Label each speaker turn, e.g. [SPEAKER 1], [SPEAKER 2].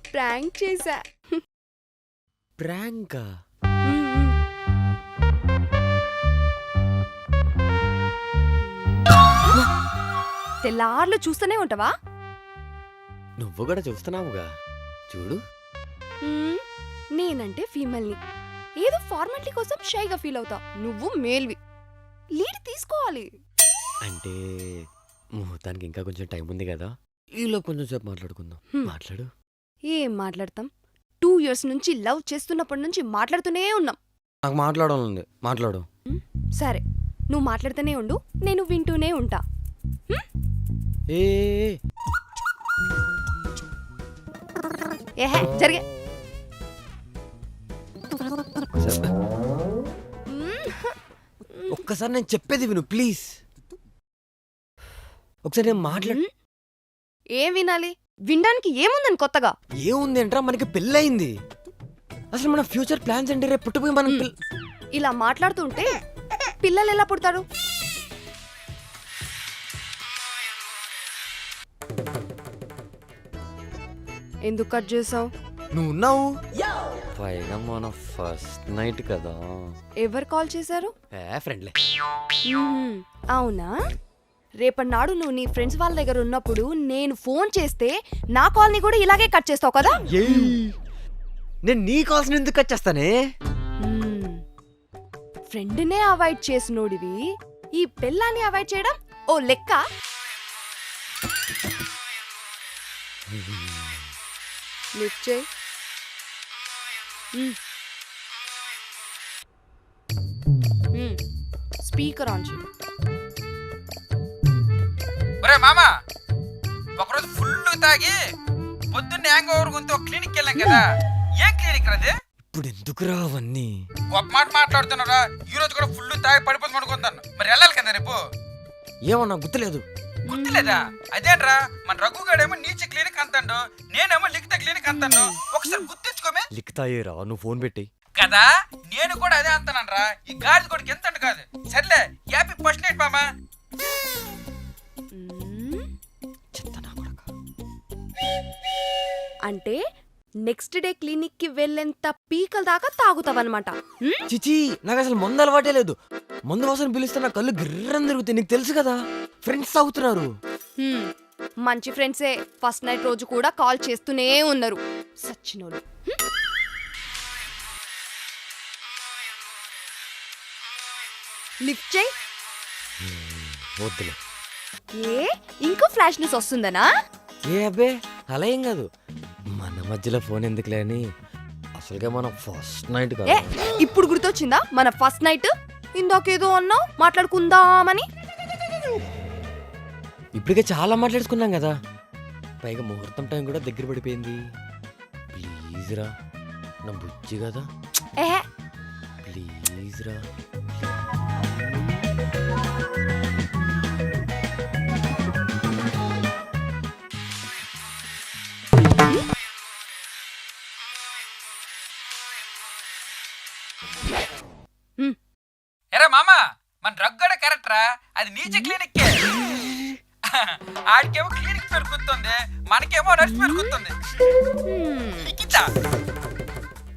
[SPEAKER 1] Prank చేశా.
[SPEAKER 2] ప్రాంకా?
[SPEAKER 1] తెల్లార్లు చూస్తూనే ఉంటావా?
[SPEAKER 2] నువ్వు కూడా చూస్తున్నావుగా, చూడు.
[SPEAKER 1] నేనంటే ఫీమేల్ని, ఏదో ఫార్మాలిటీ కోసం షైగా ఫీల్ అవుతా. నువ్వు మేల్వి, లీడ్ తీసుకోవాలి.
[SPEAKER 2] అంటే ముహూర్తానికి ఇంకా కొంచెం టైం ఉంది కదా, ఈలో కొంచెం సేపు మాట్లాడుకుందాం. మాట్లాడు.
[SPEAKER 1] ఏం మాట్లాడతాం? 2 years నుంచి లవ్ చేస్తున్నప్పటి నుంచి మాట్లాడుతూనే ఉన్నాం.
[SPEAKER 2] నాకు మాట్లాడాలంది, మాట్లాడు.
[SPEAKER 1] సరే, నువ్వు మాట్లాడుతూనే ఉండు, నేను వింటూనే ఉంటా.
[SPEAKER 2] ఏ
[SPEAKER 1] ఏహే జరిగే.
[SPEAKER 2] ఒక్కసారి నేను చెప్పేది విను ప్లీజ్. ఒకసారి నేను మాట్లాడు.
[SPEAKER 1] ఏం వినాలి? వినడానికి ఏముందని కొత్తగా?
[SPEAKER 2] ఏముంది అంటారా, మనకి పెళ్ళయింది. అసలు మన ఫ్యూచర్ ప్లాన్స్ అంటే రేపు పుట్టిపోయి మనం
[SPEAKER 1] ఇలా మాట్లాడుతుంటే పిల్లలు ఎలా పుడతారు? ఎందుకు కట్ చేసావు?
[SPEAKER 2] నువ్వు ఉన్నావు పైగా మన ఫస్ట్ నైట్ కదా.
[SPEAKER 1] ఎవరు కాల్ చేశారు?
[SPEAKER 2] ఫ్రెండ్లే.
[SPEAKER 1] అవునా? రేపటినాడు నువ్వు నీ ఫ్రెండ్స్ వాళ్ళ దగ్గర ఉన్నప్పుడు నేను ఫోన్ చేస్తే నా కాల్ని కూడా ఇలాగే కట్ చేస్తావు కదా?
[SPEAKER 2] నేను నీ కాల్స్ ఎందుకు కట్ చేస్తానే?
[SPEAKER 1] ఫ్రెండ్నే అవాయిడ్ చేసినోడివి ఈ పిల్లాన్ని అవాయిడ్ చేయడం ఓ లెక్క? లిఫ్ట్ చేయి. స్పీకర్ ఆన్ చేయి.
[SPEAKER 3] ఒరే మామా, ఒకరోజు ఫుల్ తాగి పొద్దున్నే హ్యాంగ్ ఓవర్ గుంతో క్లినిక్ వెళ్ళాం కదా. ఏం క్లినిక్ అది?
[SPEAKER 2] ఇప్పుడు ఎందుకురా అవన్నీ?
[SPEAKER 3] గొప్ప మాట మాట్లాడుతున్నారా? ఈ రోజు కూడా ఫుల్ తాగి పడిపోతుంది అనుకుంటాను. మరి వెళ్ళాలి కదా రేపు.
[SPEAKER 2] ఏమన్నా గుర్తులేదు.
[SPEAKER 3] గుర్తులేదా? అదేంట్రా, మన రఘుగాడేమో నీచి క్లినిక్ అంటాడు, నేనేమో లిఖిత క్లినిక్ అంటాను. ఒకసారి గుర్తించుకోమే.
[SPEAKER 2] లిఖితాయేరా, నువ్వు ఫోన్ పెట్టి
[SPEAKER 3] కదా. నేను కూడా అదే అంటానరా. ఈ గాడిద కొడుకు ఎంత కాదు. సర్లే, హ్యాపీ ఫస్ట్ నైట్ మామా.
[SPEAKER 1] అంటే నెక్స్ట్ డే క్లినిక్ కి వెళ్ళేంత పీకల దాకా తాగుతావన్నమాట.
[SPEAKER 2] చిచి, నాకు అసలు మందు అలవాటే లేదు. మందు వాసన పిలిస్తే నా కళ్ళు గిర్రని తిరుగుతాయి. నీకు తెలుసు కదా, ఫ్రెండ్స్ తాగుతున్నారు.
[SPEAKER 1] మంచి ఫ్రెండ్సే ఫస్ట్ నైట్ రోజు కూడా కాల్ చేస్తూనే ఉన్నారు సచ్చినోళ్ళు. లిఫ్ట్ చేయి.
[SPEAKER 2] వద్దులే.
[SPEAKER 1] ఏ ఇంకో ఫ్లాష్ న్యూస్ వస్తుందనా?
[SPEAKER 2] ఏ అబ్బే, అలా ఏం కాదు. మన మధ్యలో ఫోన్ ఎందుకులే అని. అసలుగా మనం ఫస్ట్ నైట్ కదా.
[SPEAKER 1] ఇప్పుడు గుర్తొచ్చిందా మన ఫస్ట్ నైట్? ఇందాకేదో అన్నావు మాట్లాడుకుందామని.
[SPEAKER 2] ఇప్పటికే చాలా మాట్లాడుకున్నాం కదా, పైగా ముహూర్తం టైం కూడా దగ్గర పడిపోయింది. ప్లీజ్ రా, నా బుజ్జి కదా,
[SPEAKER 1] ఏహే
[SPEAKER 2] ప్లీజ్ రా.
[SPEAKER 3] ఎరా మామా, మన రగ్గడ కరెక్టరా? అది నీచి క్లినిక్. ఆడికేమో క్లినిక్ పేరు గుర్తుంది, మనకేమో నర్స్ పేరు గుర్తుంది.